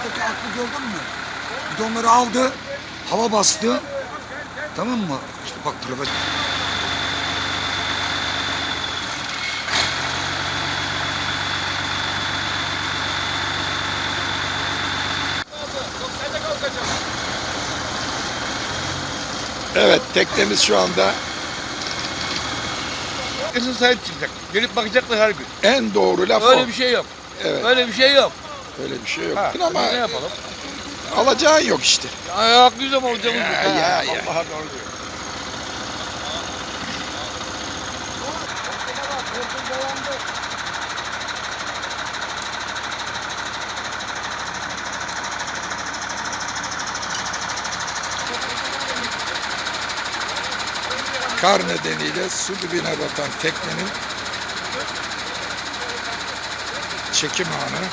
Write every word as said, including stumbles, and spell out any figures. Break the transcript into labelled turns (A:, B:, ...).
A: Peki aklı gördün mü? Bidonları aldı, hava bastı. Tamam mı? İşte bak profesör.
B: Evet, teknemiz şu anda
C: Herkesin sahip çıkacak. Gelip bakacaklar her gün.
B: en doğru laf
C: Öyle
B: o.
C: bir şey yok.
B: Evet,
C: Öyle bir şey yok.
B: öyle bir şey yok.
C: Ha,
B: Ama
C: biz ne yapalım?
B: alacağın yok işte.
C: Ya haklıyız ama hocamız.
B: Ya,
C: Ha,
B: ya, ya.
C: Allah'a doğru diyor.
B: Kar nedeniyle su dibine batan teknenin çekim anı.